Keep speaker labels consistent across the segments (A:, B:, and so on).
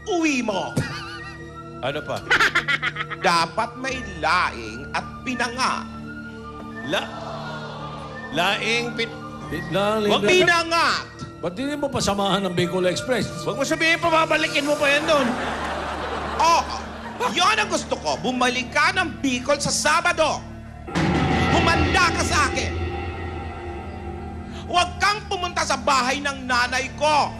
A: uwi mo.
B: Ano pa?
A: Dapat may laing at pinanga.
B: Laing
A: Huwag pinangat!
C: Ba't hindi mo pasamahan ng Bicol Express?
B: Huwag mo sabihin pa, babalikin mo pa yan doon.
A: Oo, yun ang gusto ko. Bumalik ka ng Bicol sa Sabado. Humanda ka sa akin. Huwag kang pumunta sa bahay ng nanay ko.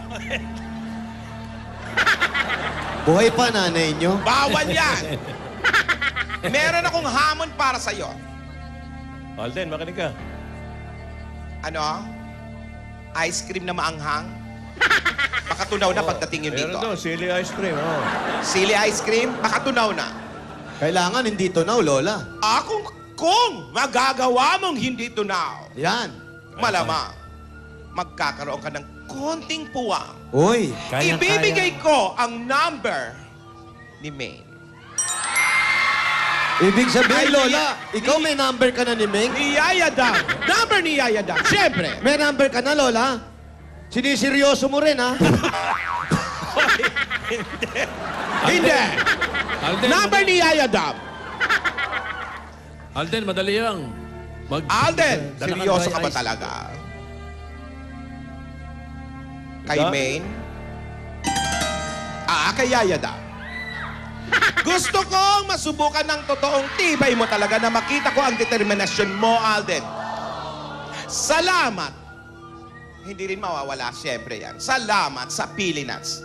D: Buhay pa nanay nyo?
A: Bawal yan. Meron akong hamon para sa'yo.
B: Alden, makinig ka.
A: Ano? Ice cream na maanghang? Pakatunaw na pagdating yun
B: Meron
A: dito.
B: doon, sili ice cream. Oh.
A: Sili ice cream? Pakatunaw na.
D: Kailangan hindi tunaw, Lola.
A: Kung magagawa mong hindi tunaw,
D: Yan.
A: malamang magkakaroon ka ng konting puwang.
D: Uy.
A: Ibibigay ko ang number ni Maine.
D: Ibig
A: Ay,
D: sabihin, Lola, ikaw may number ka na ni Ming?
A: Ni Yaya Dam. Number ni Yaya Dam. Siyempre.
D: May number ka na, Lola? Siniseryoso mo rin, ha?
A: Hindi.
C: Alden,
A: Number ni Yaya Dam.
C: Alden, madali lang.
A: Alden,
C: Dala ka
A: seryoso
C: dry
A: ka ba
C: ice.
A: talaga? Kay
B: Da?
A: Maine? Kay Yaya Dam. Gusto kong masubukan ng totoong tibay mo talaga na makita ko ang determinasyon mo, Alden. Salamat. Hindi rin mawawala, siyempre yan. Salamat sa Pilinas.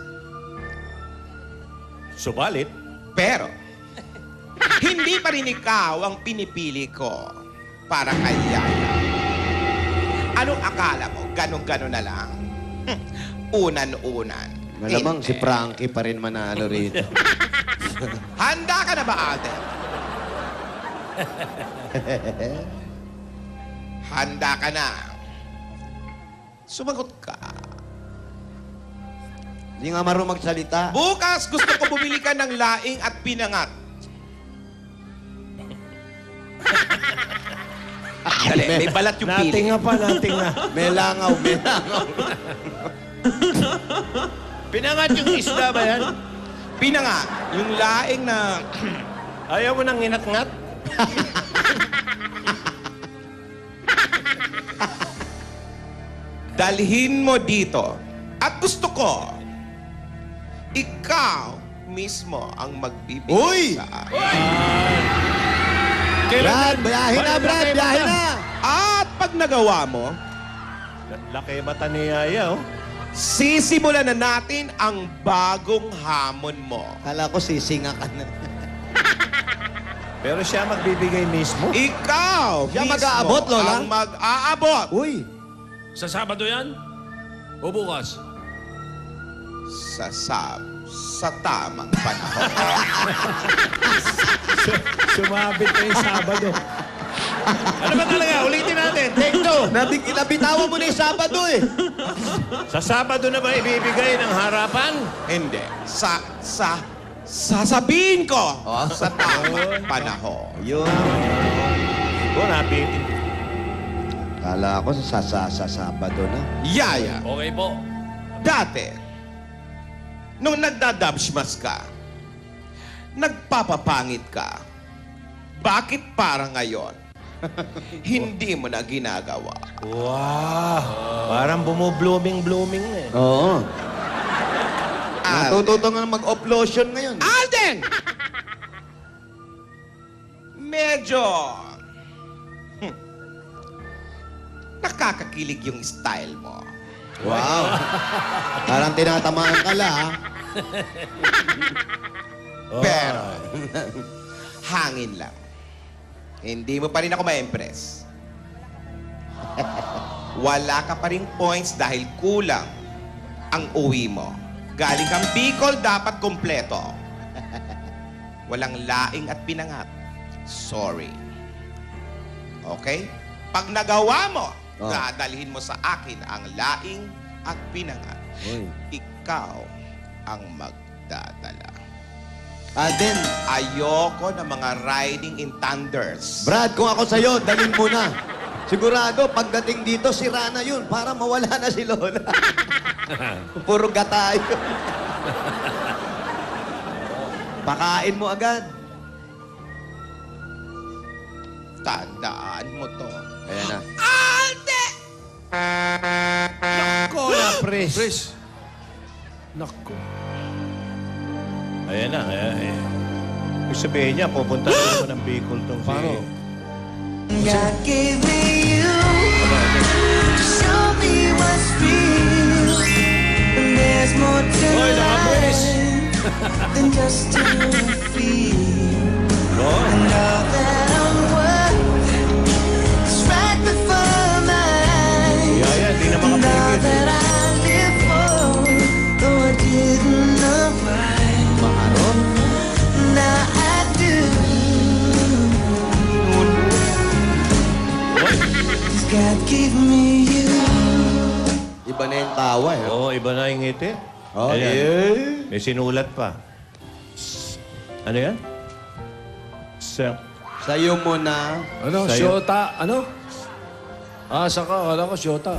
B: Subalit,
A: Pero, hindi pa rin ikaw ang pinipili ko para kay Yaya. Anong akala mo? Ganon-ganon na lang? Unan-unan.
D: Malamang si
A: Hindi.
D: Frankie pa rin manalo rito.
A: Handa ka na ba, Alden? Handa ka na. Sumagot ka.
D: Hindi nga marunong magsalita.
A: Bukas gusto ko bumili ka ng laing at pinangat. Dali, may balat yung pili.
B: nating nga pa, nating nga.
D: May langaw, may langaw.
B: Pinangat yung isda ba yan?
A: Pinangat. Yung laing na...
B: Ayaw mo nang inat-ngat?
A: Dalhin mo dito. At gusto ko, ikaw mismo ang magbibigay
D: Uy!
A: sa akin.
D: Brad, biyahe na, Brad, biyahe na.
A: At pag nagawa mo,
B: Laki mata ni Yaya, oh.
A: sisimulan na natin ang bagong hamon mo.
D: Kala ko sisinga ka na.
B: Pero siya magbibigay mismo.
A: Ikaw
D: Siya
A: mismo
D: mag-aabot, Lola?
A: ang mag-aabot
D: Uy.
C: Sa Sabado yan? O bukas?
A: sa tamang panahon.
B: Sumabit na yung Sabado. Ano ba talaga? Ulitin natin. Take two.
D: Nabitawan mo na yung Sabado eh.
B: Sa Sabado na ba ibibigay ng harapan?
A: Hindi. Sasabihin ko sa tamang panahon.
D: Yun.
B: Oo, napitin.
D: Kala ko sa Sabado na.
A: Yaya,
C: Okay po.
A: dati, nung nagdadabsmas ka, nagpapapangit ka, bakit para ngayon, hindi mo na ginagawa?
B: Wow. Parang bumublooming-blooming na eh.
D: Oo.
A: Alden.
D: Natututo nga mag-off-lotion ngayon.
A: Alden! Medyo... nakakakilig yung style mo.
D: Wow. Parang tinatamaan ka la, ha?
A: Pero, hangin lang. Hindi mo pa rin ako ma-impress. Wala ka pa rin points dahil kulang ang uwi mo. Galing kang Bicol, dapat kompleto. Walang laing at pinangat. Sorry. Okay? Pag nagawa mo, dadalhin mo sa akin ang laing at pinangat.
D: Uy.
A: Ikaw ang magdadala.
D: Alden,
A: Ayoko ng mga riding in thunders.
D: Brad, kung ako sa'yo, dalhin mo na. Sigurado, pagdating dito, sira na yun para mawala na si Lola. Puro gatayo. Pakain mo agad.
A: Tandaan mo to.
D: Ayan na.
B: Nako na, Pres.
C: Pres.
B: Nako.
E: Ayan na. Ibig sabihin niya, pupunta na naman ng Bicol tong si...
B: Paano?
F: God gave me you to show me what's real. And there's more to
B: Hoy, naka-Pres.
F: life than just to feel.
E: Oh,
F: And all that I'm worth is right before my eyes.
E: Yaya, di na
F: And all
E: makapigil.
F: that I live for, though I didn't know why.
D: Maharot.
F: Now I do. 'Cause God gave me you.
D: Iba na yung tawa eh.
E: Oo, iba na yung ngiti.
D: Oh,
E: Ayan.
D: yeah.
E: May sinulat pa. Ano yan?
D: Sa'yo mo na.
B: Ano?
E: Sa'yo.
B: Shota? Ano? Saka. Kala ko Shota.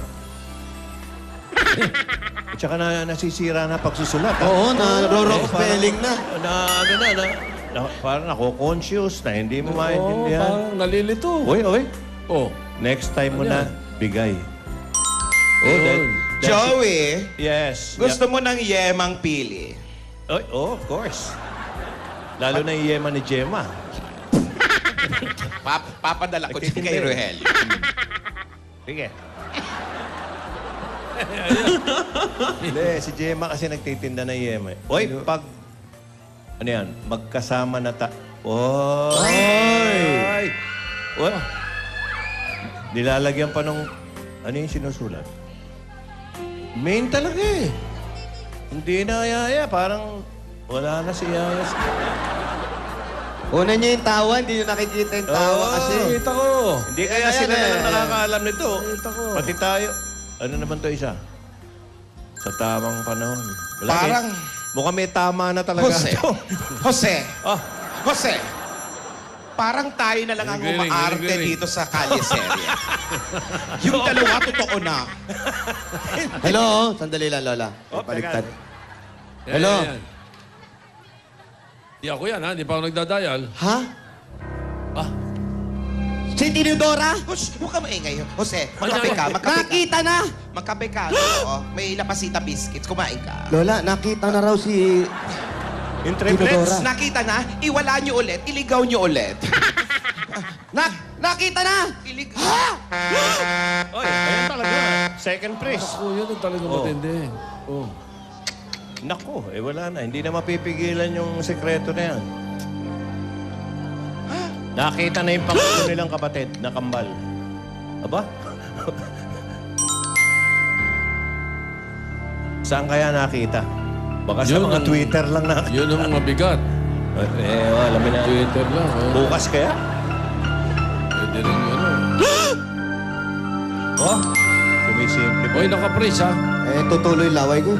E: At saka nasisira na pagsusulat. ha?
D: Oo, naro-rock
E: Eh,
D: spelling na.
E: Parang ako-conscious na hindi mo
B: Oo,
E: maintindihan.
B: parang nalilito.
E: Oy.
B: Oh.
E: Next time mo
B: Ano
E: na,
B: yan?
E: bigay.
B: Yun.
A: Joey,
E: Yes.
A: gusto mo ng yemang pili.
E: Of course. Lalo na yung yema ni Gemma.
A: Papadala ko din kay Rohel.
E: Sige. Hindi, si Gemma kasi nagtitinda ng yema. Oy, pag... Ano yan? Magkasama na Oy! Oy! Nilalagyan pa nung... Ano yung sinusulat? Main talaga eh. Hindi na Yaya. Parang wala na si Yaya.
D: Una niya yung tawa, hindi nyo nakikita yung tawa
E: Oo.
D: kasi.
B: Kita ko.
E: Hindi kaya
D: Ayan,
E: sila na
D: ayan,
E: lang
D: ayan.
E: nakakaalam nito.
B: Kita ko.
E: Pati tayo. Ano naman to isa? Sa tamang panahon. Wala
A: Parang-
E: eh. Mukhang may tama na talaga.
A: Jose.
E: ito.
A: Jose.
E: Ah,
A: Jose. Parang tayo na lang ang
B: Galing,
A: umaarte
B: galing.
A: dito sa Kalye Serie. Yung dalawa, totoo na.
D: Hello? Sandali lang, Lola.
E: Oh,
D: Paligtad.
B: Yan,
D: Hello?
B: yan, yan. Di ako yan, ha? Di pa ako nagdadial.
D: Ha?
B: Ah,
D: Si Tinidora?
A: Huwag ka maingay. Jose, magkape ka. Magkape ka.
D: Nakita na!
A: Magkape ka. Oo. May lapasita biscuits. Kumain ka.
D: Lola, nakita na raw si...
E: yung triplets.
D: Tinidora.
A: Nakita na, iwala nyo ulit, iligaw nyo ulit.
D: Nakita na!
A: Iligaw.
E: Oy, ayan talaga. Second prize.
B: ako yun ang talaga
E: Oh.
B: matindi. Oh.
E: Nako, wala na. Hindi na mapipigilan yung sekreto na yan. Nakita na yung pangulo nilang kapatid na kambal. Aba? Saan kaya nakita? Baka sa
B: Yun
E: mga
B: ang-
E: Twitter lang nakita.
B: Yun ang mabigat.
E: Alam mo na.
B: Twitter lang.
E: Bukas kaya?
B: Pwede rin yun.
E: Oh, sumisimple pa.
B: Hoy, naka-praise, ha?
D: tutuloy laway ko.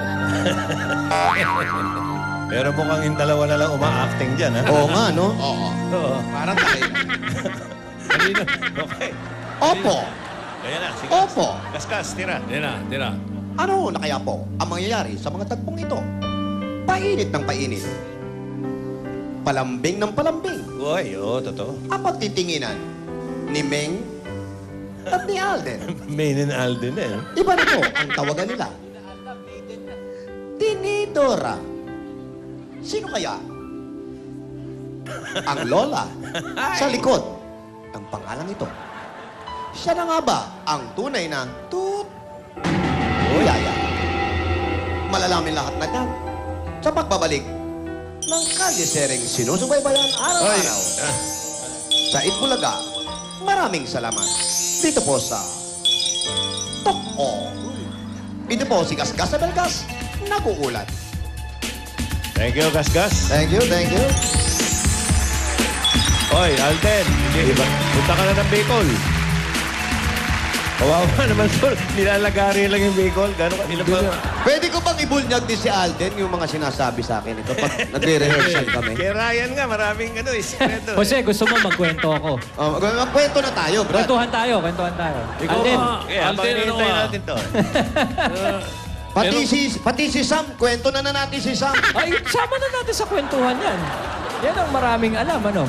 E: Pero mukhang yung dalawa na lang uma-acting dyan, ha?
D: Oo nga, no?
A: Oo.
E: Oo.
A: Parang tayo.
B: Kanina.
E: Okay.
D: Opo!
E: Kaya na, sige.
D: Opo!
E: Kaskas, tira.
B: Tira.
D: Ano na kaya po ang mangyayari sa mga tagpong ito? Painit ng painit. Palambing ng palambing.
E: Uy, oo, totoo.
D: Ang pagtitinginan ni Meng at ni Alden.
E: Main and Alden, eh.
D: Iba na po ang tawagan nila. Tinidora. Sino kaya? Ang lola sa likod ng pangalan ito. Siya na nga ba ang tunay na Yaya? Malalamin lahat na yan sa pagbabalik ng kalye-sering sinusubaybayan araw-araw. Sa Itbulaga, maraming salamat. Dito po sa Tok-O. Dito po si Gasgas sa Belgas, nag-uulat.
E: Thank you, Kaskas.
D: Thank you, thank you.
E: Oy, Alden, hindi ba? Punta ka na ng Bicol. Kawawa naman, Sol. Nilalagari lang yung Bicol. Gano'n ka? Ilan ba?
D: Pwede ko bang ibunyag din si Alden yung mga sinasabi sa akin ito pag nagre-rehearsal kami?
E: Kay Ryan nga, maraming sikreto.
G: Jose, gusto mo magkwento ako?
D: Magkwento na tayo, Brad.
G: Kwentuhan tayo.
B: Ikaw
G: Alden,
B: ba?
E: Okay, habang
B: Alden, ano
E: hinihintay
B: ka?
E: natin to.
D: Pati si Sam, kwento na natin si Sam.
G: Ay, sama na natin sa kwentuhan yan. Yan ang maraming alam, ano?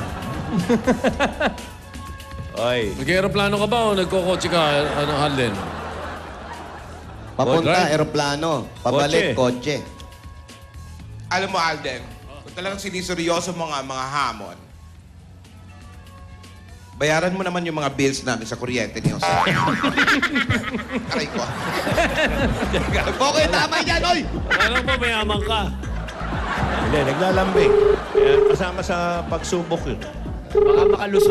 E: Ay,
C: Nag-aeroplano ka ba o nagkokotse ka, Alden?
D: Papunta,
C: Boyfriend?
D: eroplano. Pabalik, kotse.
A: Alam mo, Alden, kung talagang siniseryoso mo nga mga hamon, bayaran mo naman yung mga bills namin sa kuryente ni Jose. Aray ko. Okay, tama yan, oy!
C: Alam mo, mayaman ka.
E: hindi, naglalambing. Kaya kasama sa pagsubok yun.
G: Baka makalusot.